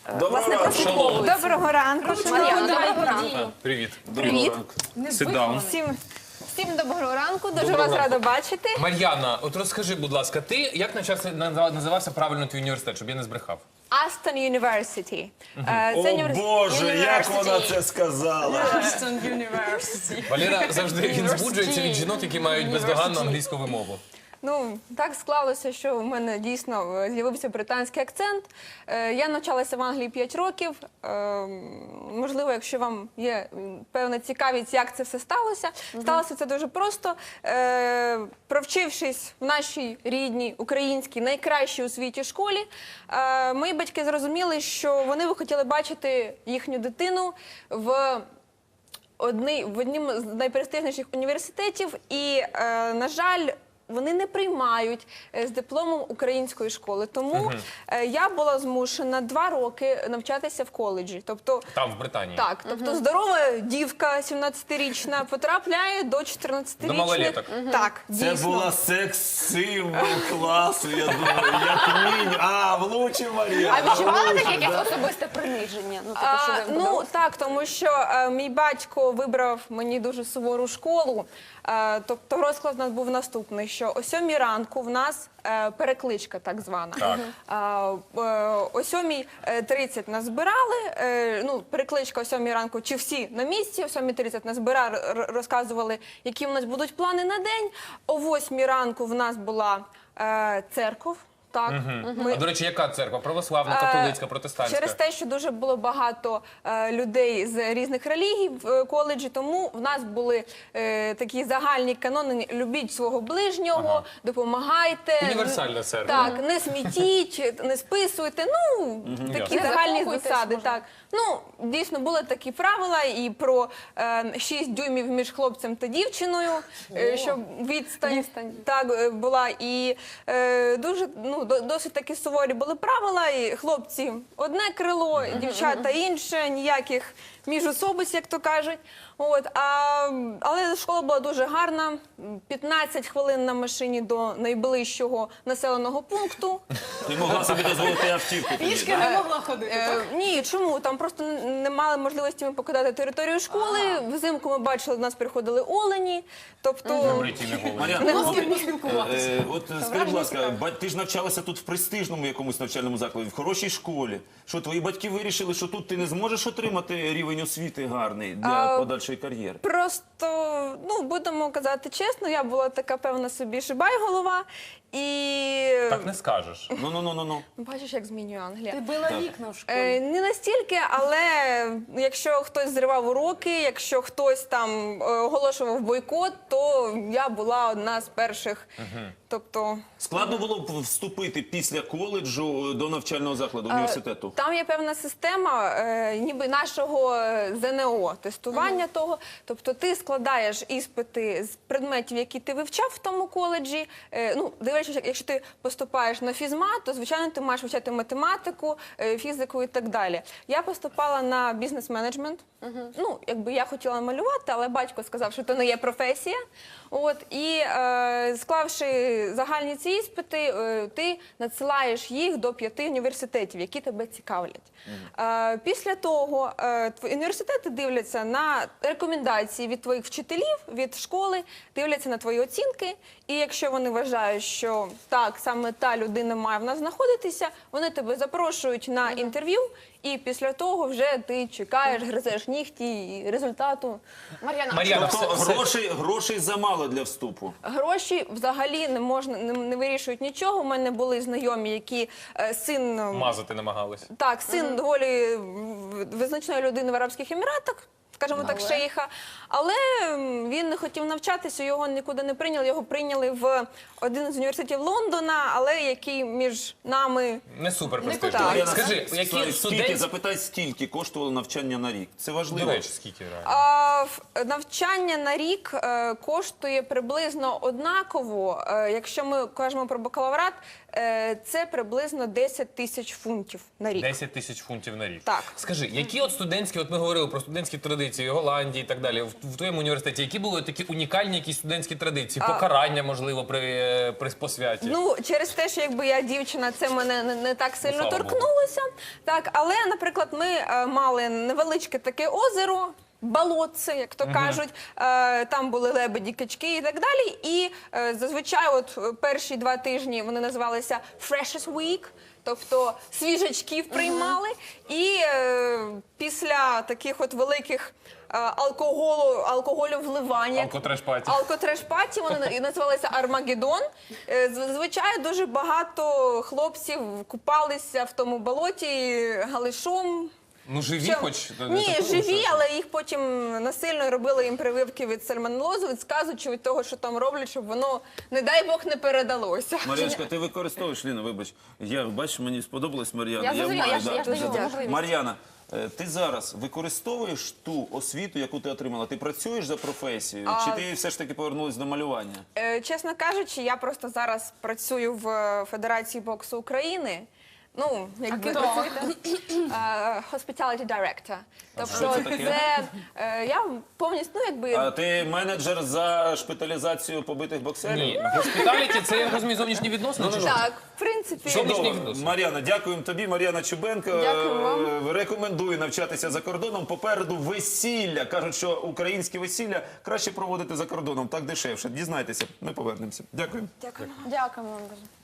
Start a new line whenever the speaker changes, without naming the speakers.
власне, прослуховуються.
Доброго ранку,
Мар'яна,
шановні.
доброго ранку.
Привіт.
Привіт.
Sit down.
Всім доброго ранку, дуже
Доброго
вас
ранку.
рада бачити.
Мар'яна, от розкажи, будь ласка, ти як називався правильно твій університет, щоб я не збрехав?
Aston University.
О Боже, як вона це сказала?
Валера завжди він збуджується від жінок, які мають бездоганну англійську вимову.
Ну, так склалося, що в мене дійсно з'явився британський акцент. Я навчалася в Англії 5 років. Можливо, якщо вам є певна цікавість, як це все сталося. Сталося це дуже просто. Провчившись в нашій рідній, українській, найкращій у світі школі, мої батьки зрозуміли, що вони би хотіли бачити їхню дитину в однім з найпрестижніших університетів. І, на жаль, вони не приймають з дипломом української школи. Тому я була змушена 2 роки навчатися в коледжі. Тобто,
Там, в Британії.
так, тобто здорова дівка 17-річна потрапляє до 14-річних.
До малолеток.
Так,
Це
дійсно.
була секс-символ класу, я думаю, як мінімум. Влучив Мар'яна.
А відчували таке якесь особисте приниження? Ну, типу, що ви
Ну так, тому що мій батько вибрав мені дуже сувору школу. Тобто розклад у нас був наступний, що о 7 ранку в нас перекличка так звана.
Так.
О 7:30 нас збирали, перекличка о 7 ранку, чи всі на місці, о 7:30 нас збирали, розказували, які в нас будуть плани на день. О 8 ранку в нас була церков. Так,
А, до речі, яка церква? Православна, католицька, протестантська?
Через те, що дуже було багато людей з різних релігій в коледжі, тому в нас були такі загальні канони: любіть свого ближнього, допомагайте.
Універсальна церква.
Так, не смітіть, не списуйте, такі
ясно.
загальні
закохуйтесь,
засади.
може.
Так. Ну, дійсно, були такі правила і про 6 дюймів між хлопцем та дівчиною, щоб відстань так, була. І дуже, досить такі суворі були правила, і хлопці одне крило, дівчата інше, ніяких міжособиць, як то кажуть. Але школа була дуже гарна, 15 хвилин на машині до найближчого населеного пункту.
Ти могла собі дозволити автівку.
Пішки не могла ходити.
Ні, чому? Там просто не мали можливості ми покидати територію школи. Взимку ми бачили, до нас приходили олені. Тобто,
Бриті, не голені.
Мар'яна,
з ким поспілкуватися.
от скажи, будь ласка, ти ж навчалася тут в престижному якомусь навчальному закладі, в хорошій школі. Що твої батьки вирішили, що тут ти не зможеш отримати рівень освіти гарний для подальшої кар'єри?
просто, будемо казати чесно, я була така певна собі шибай-голова. І
Так не скажеш.
Ну.
бачиш, як змінює Англія.
Ти била вікна в школі.
Не настільки, але якщо хтось зривав уроки, якщо хтось там оголошував бойкот, то я була одна з перших. Тобто
Складно було б вступити після коледжу до навчального закладу, університету?
там є певна система, ніби нашого ЗНО, тестування того. Тобто ти складаєш іспити з предметів, які ти вивчав в тому коледжі. Дивлячись, якщо ти поступаєш на фізмат, то, звичайно, ти маєш вивчати математику, фізику і так далі. Я поступала на бізнес-менеджмент. Якби я хотіла малювати, але батько сказав, що це не є професія. І склавши загальні ці іспити, ти надсилаєш їх до 5 університетів, які тебе цікавлять. Після того університети дивляться на рекомендації від твоїх вчителів, від школи, дивляться на твої оцінки. І якщо вони вважають, що так, саме та людина має в нас знаходитися, вони тебе запрошують на інтерв'ю, і після того вже ти чекаєш, гризеш нігті і результату.
Мар'яна,
Тобто
все-
грошей замало для вступу?
Гроші взагалі не вирішують нічого. У мене були знайомі, які син
мазати намагалися.
Так, син доволі визначної людини в Арабських Еміратах, скажімо так, шейха. Але він не хотів навчатися, його нікуди не прийняли. Його прийняли в один з університетів Лондона, але який між нами...
Не супер престижно.
Так.
Скажи, які студенти...
Запитай, скільки коштувало навчання на рік? Це важливо.
До речі, скільки реально?
Навчання на рік коштує приблизно однаково. Якщо ми кажемо про бакалаврат, це приблизно 10 тисяч фунтів на рік.
10 тисяч фунтів на рік.
Так.
Скажи, які от студентські, от ми говорили про студентські традиції Голландії і так далі, в твоєму університеті, які були такі унікальні якісь студентські традиції? Покарання, можливо, при посвяті?
Ну, через те, що якби я дівчина, це мене не так сильно
слава Богу.
торкнулося. Так, але, наприклад, ми мали невеличке таке озеро, болотце, як то кажуть. Там були лебеді, качки і так далі. І зазвичай от перші 2 тижні вони називалися Freshers Week, тобто свіжачків приймали. І після таких от великих алкоголю вливання.
Алкотреш-паті.
Алкотреш-паті, вони і називалися Армагеддон. Зазвичай дуже багато хлопців купалися в тому болоті галишом.
Ну, живі
Що-
хоч?
Ні,
Такого,
живі,
що?
але їх потім насильно робили їм прививки від сальмонелозу, від сказу чи від того, що там роблять, щоб воно, не дай Бог, не передалося.
Мар'яночка, ти використовуєш, Ліна, вибач. Я, бачиш, мені сподобалась Мар'яна.
Я зрозуміла,
маю,
я ж даю
да.
можливість.
Мар'яна, ти зараз використовуєш ту освіту, яку ти отримала? Ти працюєш за професією? Чи ти все ж таки повернулась до малювання?
Чесно кажучи, я просто зараз працюю в Федерації боксу України. Ну, якби hospitality director. Тобто
що це таке?
я повністю, ну якби
А ти менеджер за шпиталізацію побитих боксерів?
Ні, госпіталіті це, я розумію, зовнішні відносини? чи що?
так, в принципі.
Зовнішні
Чудово.
відносини.
Мар'яна, дякуємо тобі. Мар'яна Чубенко.
Дякую вам.
Рекомендую навчатися за кордоном. Попереду весілля. Кажуть, що українське весілля краще проводити за кордоном. Так дешевше. Дізнайтеся. Ми повернемося. Дякую.
Дякую.
Дякуємо вам дуже.